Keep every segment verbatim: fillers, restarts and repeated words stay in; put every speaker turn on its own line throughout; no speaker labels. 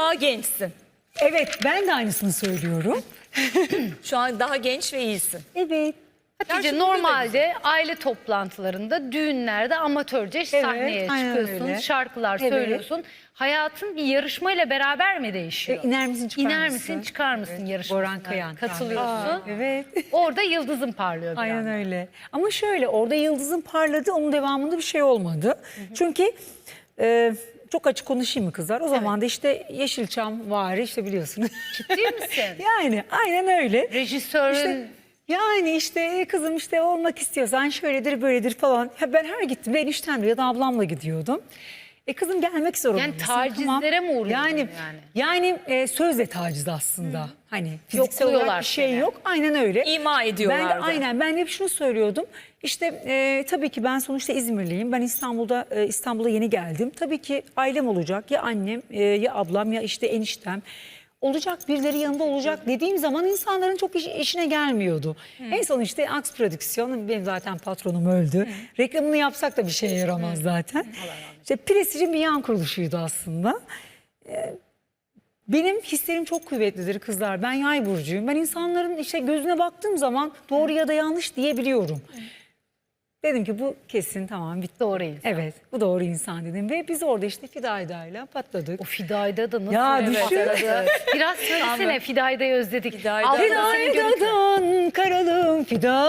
daha gençsin.
Evet, ben de aynısını söylüyorum.
Şu an daha genç ve iyisin.
Evet.
Hatice
Gerçi
normalde aile toplantılarında, düğünlerde amatörce sahneye
aynen
çıkıyorsun,
öyle.
şarkılar
Evet.
söylüyorsun. Hayatın bir yarışmayla beraber mi değişiyor?
E, iner misin çıkar
İner
mısın?
misin çıkar mısın
Evet.
yarışmasına?
Boran Kayan.
Katılıyorsun.
Aa, evet.
Orada yıldızın parlıyor bir
Aynen
anda.
öyle. Ama şöyle, orada yıldızın parladı, onun devamında bir şey olmadı. Hı hı. Çünkü e, çok açık konuşayım mı kızlar? O zaman da işte Yeşilçam var, işte biliyorsunuz.
Ciddi misin?
Yani aynen öyle.
Rejisörün...
İşte, yani işte kızım işte olmak istiyorsan şöyledir böyledir falan. Ya ben her gittim eniştemle ya da ablamla gidiyordum. E kızım gelmek zorundasın.
Yani tacizlere mi uğruyordun
yani?
yani?
Yani e, sözle taciz aslında. Hı. Hani fiziksel
Yokluyorlar
olarak bir şey
seni.
yok. Aynen öyle.
İma ediyorlardı.
Ben de aynen ben de hep şunu söylüyordum. İşte e, tabii ki ben sonuçta İzmirliyim. Ben İstanbul'da e, İstanbul'a yeni geldim. Tabii ki ailem olacak. Ya annem e, ya ablam ya işte eniştem. Olacak, birileri yanında olacak dediğim zaman insanların çok iş, işine gelmiyordu. Hmm. En son işte Aks Prodüksiyon, benim zaten patronum öldü. Hmm. Reklamını yapsak da bir şeye yaramaz hmm. zaten. Hmm. İşte Prestij'in bir yan kuruluşuydu aslında. Ee, benim hislerim çok kuvvetlidir kızlar. Ben yay burcuyum. Ben insanların işte gözüne baktığım zaman doğru ya da yanlış diyebiliyorum. Hmm. Dedim ki bu kesin tamam bitti.
Doğru insan.
Evet, bu doğru insan dedim ve biz orada işte Fidayda'yla patladık.
O Fidayda da nasıl?
Ya düşün.
Biraz söylesene, Fidayda'yı özledik.
Fidayda.
Fidayda'dan karalım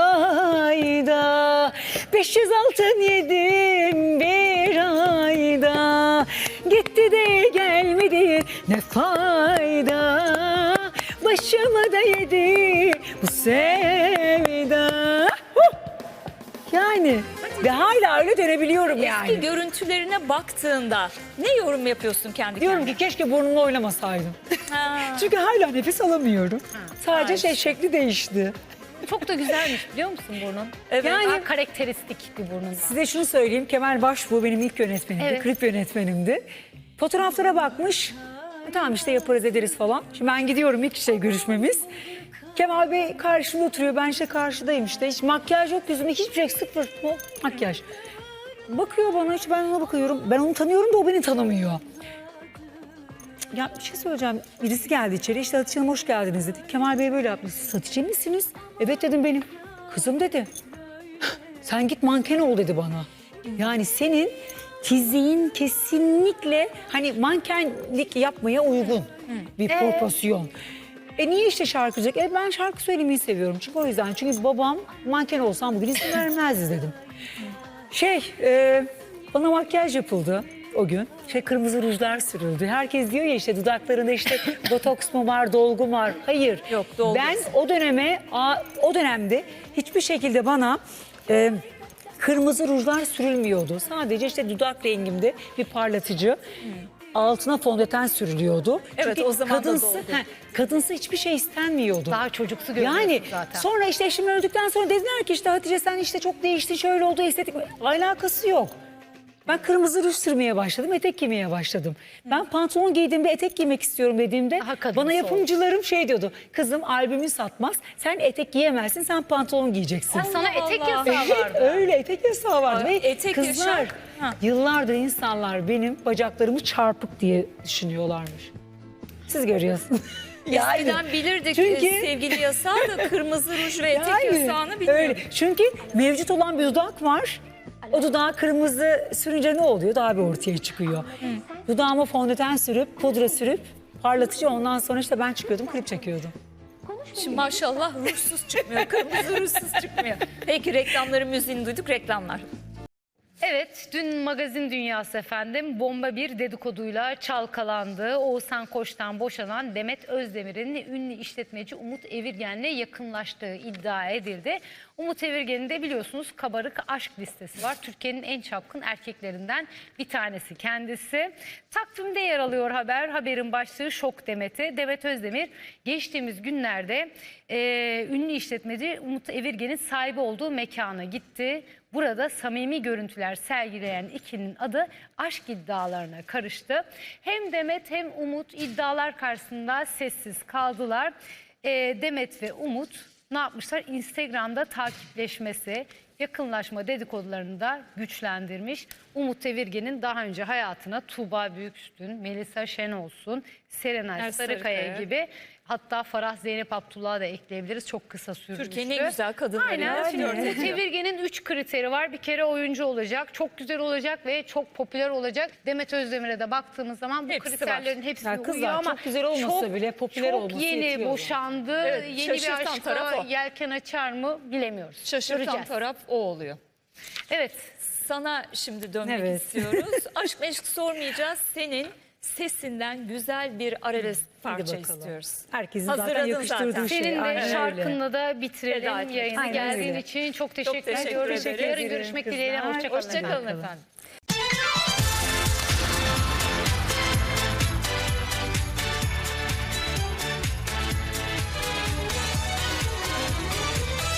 Fidayda, beş yüz altın yedim bir ayda, gitti de gelmedi ne fayda, başımı da yedi bu sevda. Yani ve hala öyle dönebiliyorum yani.
Eski görüntülerine baktığında ne yorum yapıyorsun kendi
Diyorum
kendine?
ki keşke burnumla oynamasaydım.
Ha.
Çünkü hala nefes alamıyorum.
Ha.
Sadece
Ay.
şey şekli değişti.
Çok da güzelmiş biliyor musun burnun?
Evet.
Yani
Yani-
karakteristik bir burnun var.
Size şunu söyleyeyim. Kemal Başbuğ benim ilk yönetmenimdi.
Evet.
Klip yönetmenimdi. Fotoğraflara bakmış. E, tamam işte yaparız ederiz falan. Şimdi ben gidiyorum ilk şey görüşmemiz. Kemal Bey karşımda oturuyor. Ben işte karşıdayım işte. Hiç makyaj yok yüzümde. Hiçbir şey, sıfır makyaj. Bakıyor bana, hiç ben ona bakıyorum. Ben onu tanıyorum da o beni tanımıyor. Ya bir şey söyleyeceğim. Birisi geldi içeri. İşte Hatice Hanım hoş geldiniz dedi. Kemal Bey böyle yaptı. Siz Hatice misiniz? Evet dedim benim. Kızım dedi. Sen git manken ol dedi bana. Yani senin fiziğin kesinlikle hani mankenlik yapmaya uygun bir
Ee?
proporsiyon. E niye işte şarkıcılık? E ben şarkı söylemeyi seviyorum. Çünkü o yüzden. Çünkü babam manken olsam bugün izin vermezdi dedim. Şey e, bana makyaj yapıldı o gün. Şey kırmızı rujlar sürüldü. Herkes diyor ya işte dudaklarında işte botoks mu var, dolgu mu var? Hayır.
Yok, dolgu.
Ben o döneme o dönemde hiçbir şekilde bana e, kırmızı rujlar sürülmüyordu. Sadece işte dudak rengimde bir parlatıcı. Hmm. Altına fondöten sürülüyordu.
Evet,
Çünkü
o zaman da
kadınsı,
dolgu.
he, kadınsı hiçbir şey istenmiyordu.
Daha çocuksu görünüyorsun
Yani
zaten.
sonra işte eşim öldükten sonra dediler ki işte Hatice sen işte çok değiştin, şöyle oldu, estetik. Alakası yok. Ben kırmızı ruj sürmeye başladım, etek giymeye başladım. Ben pantolon giydiğimde etek giymek istiyorum dediğimde
Daha kadınsı
bana yapımcılarım şey diyordu. Kızım albümün satmaz, sen etek giyemezsin, sen pantolon giyeceksin.
Ha, sana etek
Allah.
yasağı
Evet,
vardı.
öyle etek yasağı vardı.
Ay,
Ve
etek
kızlar
yaşar. Ha.
yıllardır insanlar benim bacaklarımı çarpık diye düşünüyorlarmış. Siz görüyorsunuz.
Eskiden bilirdik
Çünkü-
e, sevgili yasağı da kırmızı ruj ve etek
Yani,
yasağını bilmiyorduk.
öyle. Çünkü mevcut olan bir dudak var. O dudağa kırmızı sürünce ne oluyor? Daha bir ortaya çıkıyor. Dudağıma fondöten sürüp, pudra sürüp, parlatıcı ondan sonra işte ben çıkıyordum, klip çekiyordum.
Şimdi maşallah rujsuz çıkmıyor, kırmızı rujsuz çıkmıyor. Peki reklamların müziğini duyduk, reklamlar.
Evet, dün magazin dünyası efendim bomba bir dedikoduyla çalkalandı. Oğuzhan Koç'tan boşanan Demet Özdemir'in ünlü işletmeci Umut Evirgen'le yakınlaştığı iddia edildi. Umut Evirgen'in de biliyorsunuz kabarık aşk listesi var. Türkiye'nin en çapkın erkeklerinden bir tanesi kendisi. Takvimde yer alıyor haber. Haberin başlığı şok Demet'e. Demet Özdemir geçtiğimiz günlerde e, ünlü işletmeci Umut Evirgen'in sahibi olduğu mekana gitti. Burada samimi görüntüler sergileyen ikilinin adı aşk iddialarına karıştı. Hem Demet hem Umut iddialar karşısında sessiz kaldılar. E, Demet ve Umut ne yapmışlar? Instagram'da takipleşmesi, yakınlaşma dedikodularını da güçlendirmiş. Umut Evirgen'in daha önce hayatına Tuğba Büyüküstün, Melisa Şenolsun, Serenay
Er
Sarıkaya
Sarıkaya.
gibi, hatta Farah Zeynep Abdullah'ı da ekleyebiliriz. Çok kısa sürmüştü.
Türkiye'nin en güzel kadınları.
Aynen.
ya.
Şimdi
Flört
Umut
ediyor.
Evirgen'in üç kriteri var. Bir kere oyuncu olacak, çok güzel olacak ve çok popüler olacak. Demet Özdemir'e de baktığımız zaman bu
Hepsi
kriterlerin hepsine
Ya kızlar,
uyuyor ama
çok güzel olmasa bile popüler
çok
olması
yeni
yetiyor
boşandı.
Evet,
yeni bir
şaşırtan taraf
aşka
o.
yelken açar mı bilemiyoruz.
Şaşırtan
Göreceğiz.
taraf o oluyor.
Evet.
Sana şimdi dönmek
Evet.
istiyoruz. Aşk meşk sormayacağız. Senin sesinden güzel bir arabesk parça
bakalım.
istiyoruz.
Herkesin zaten
Hazırladın
yakıştırdığı
zaten.
şey.
Senin de
Aynen öyle.
şarkınla da
Veda
bitirelim
etmek.
yayını.
Aynen
Geldiğin
öyle.
için çok teşekkür,
teşekkür
ediyoruz.
ederiz.
Yarın görüşmek
Kızlar.
dileğiyle. Hoşçakalın.
Hoşçakalın
efendim.
efendim.